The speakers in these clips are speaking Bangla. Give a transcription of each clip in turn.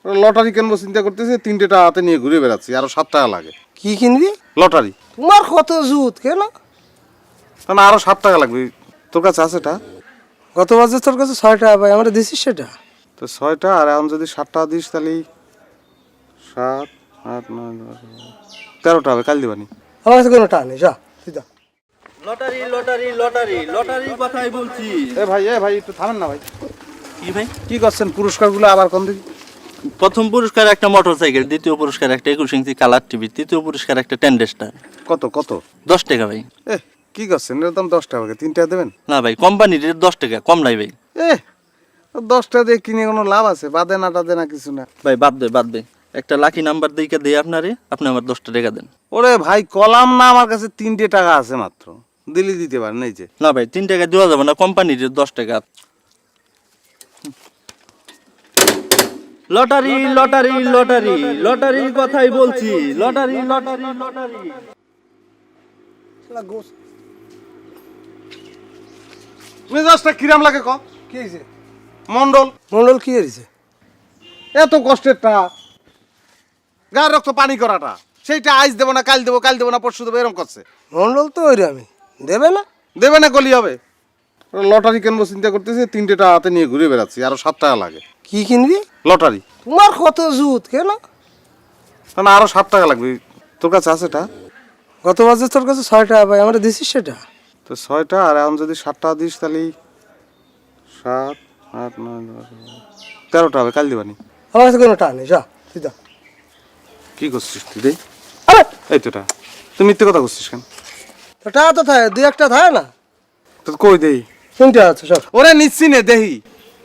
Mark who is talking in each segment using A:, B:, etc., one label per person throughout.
A: লটারি কিনবো চিন্তা করতেছি, 3টে টাকা হাতে নিয়ে ঘুরে বেড়াচ্ছি, আরো 7 টাকা লাগে।
B: কি কিনবি?
A: লটারি।
B: তোমার কত জুত কেন?
A: না আরো 7 টাকা লাগবে। তোর কাছে আছে এটা?
B: গত বছর তোর কাছে 6 টাকা ভাই, আমরা দিছিস সেটা।
A: তো 6টা, আর এখন যদি 7 টাকা দিস তাহলে 7, 8, 9, 10, 13টা হবে। কাল দিবানি।
B: আমার কাছে কোনো টাকা নেই, যা তুই যা।
C: লটারি লটারি লটারি লটারির কথাই বলছি।
A: এ ভাই একটু থামেন না ভাই।
C: কি ভাই?
A: কি করছেন? পুরস্কারগুলো আবার কোন দিকে?
C: প্রথম পুরস্কার একটা মোটরসাইকেল, দ্বিতীয় পুরস্কার একটা 21 ইঞ্চি কালার টিভি, তৃতীয় পুরস্কার একটা টেন্ডেস্টার।
A: কত কত?
C: 10 টাকা ভাই।
A: এ কি করছেন? এর দাম 10 টাকা, 3 টাকা দেবেন?
C: না ভাই, কোম্পানির রেট 10 টাকা, কম নাই ভাই।
A: এ 10 টাকা দিয়ে কিনে কোনো লাভ আছে? বাদে না টাদে না কিছু না।
C: ভাই বাদ দে। একটা লাকি নাম্বার দিকে দেই আপনারে, আপনি আমার 10 টাকা দেন।
A: ওরে ভাই কলাম না, আমার কাছে 3টে টাকা আছে মাত্র, দিলি দিতে পারেন। এই যে
C: না ভাই, 3 টাকা দেওয়া যাবে না, কোম্পানির রেট 10 টাকা। লটারি লটারি লটারি লটারির কথাই বলছি। Lottery lottery lottery.
A: মেজাজটা কিরাম লাগে ক?
B: কি হয়েছে?
A: মন্ডল
B: মন্ডল কি হয়েছে?
A: এত কষ্টের টাকা, গায়ের রক্ত পানি করাটা, সেইটা আজ দেবো না, কাল দেবো না, পরশু দেবো, এরকম করছে।
B: মন্ডল তো ওই আমি দেবে না।
A: দেবে না গলি হবে? লটারি কিনবো চিন্তা করতেছি, 3টে টাকা হাতে নিয়ে ঘুরে বেড়াচ্ছি, আরো 7 টাকা লাগে।
B: কি কিনবি?
A: লটারি।
B: তোমার কত জুত কেন?
A: না আরো 7 টাকা লাগবে। তোর কাছে আছে এটা?
B: গত বছর তোর কাছে 6 টাকা ভাই, আমরা দিছিস সেটা।
A: তো 6টা, আর এখন যদি 7 টাকা দিস তাহলে 7, 8, 9, 10, 13টা হবে। কাল দিবানি।
B: আমার কাছে কোনো টাকা নেই, যা তুই যা।
A: কি করছিস তুই রে?
B: আরে
A: এই তো টাকা। তুই মিথ্যে কথা করছিস কেন?
B: তো টাকা তো থাকে, 2-1টা থাকে না।
A: তো কই দেই?
B: 3টে আছে সব।
A: ওরে নিচ্ছি নে, দেহি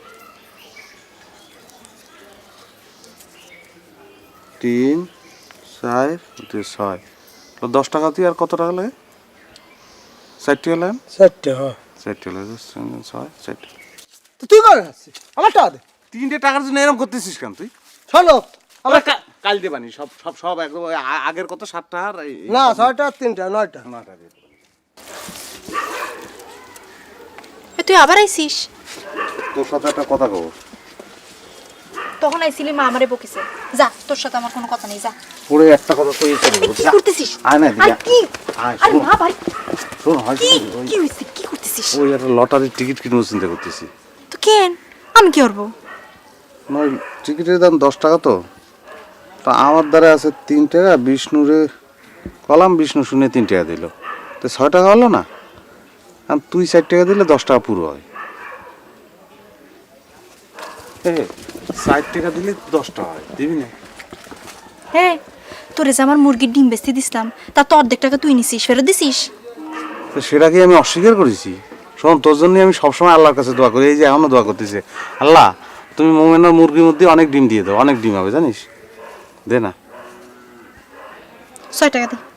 A: 3, 4, 6। 10 টাকা তুই আর কত টাকা লাগে? 60 টাকা লাগে।
B: 4টে হ্যাঁ।
A: 60 টাকা লাগে, 6, 60।
B: তো তুই করে আসছিস, আমার টাকা দে।
A: 3টে টাকার জন্য এরকম করতেছিস কেন তুই?
B: শোনো আমার
A: কাল দেবানি সব সব সব একদম আগের কত 7 টাকা আর
B: না 6টা 3টা 9টা।
A: 9টা দিয়ে দেবো।
D: তুই আবার আইছিস?
A: তোর সাথে একটা কথা কব।
D: তখন আইছিলি মা আমারে বকিছে। যা, তোর সাথে আমার কোনো কথা নেই, যা।
A: পরে একটা কথা কই চলে
D: কি করতেছিস?
A: আয় না
D: আর
A: দিদি।
D: কি?
A: আয়
D: আরে
A: শোন।
D: মা ভাই,
A: শোন হয়
D: কি কি হইছে? কি করতেছিস?
A: ওই একটা লটারির টিকিট কিনবো চিন্তা করতেছি।
D: তো কেন? আমি কি করব?
A: নয়, টিকিটের দাম 10 টাকা। তো তা আমার দ্বারা আছে 3 টাকা। বিষ্ণুরে কলাম, বিষ্ণু শুনে 3 টাকা দিল, তো 6 টাকা হলো না। আর তুই 4 টাকা দিলে 10 টাকা পুরো হয়। 4 টাকা দিলে 10 টাকা হয়, দিবি না?
D: হ্যাঁ, তোরে যে আমার মুরগির ডিম বেচতে দিছিলাম, তা তো অর্ধেক টাকা তুই নিছিস, ফেরত দিছিস?
A: তো সেটাকে আমি অস্বীকার করেছি? শোন, তোর জন্য আমি সবসময় আল্লাহর কাছে দোয়া করি, এই যে এখনো দোয়া করতেছে, আল্লাহ তুমি মোমেনার মুরগির মধ্যে অনেক ডিম দিয়ে দাও, অনেক ডিম হবে জানিস। দে না।
D: 6 টাকা দে।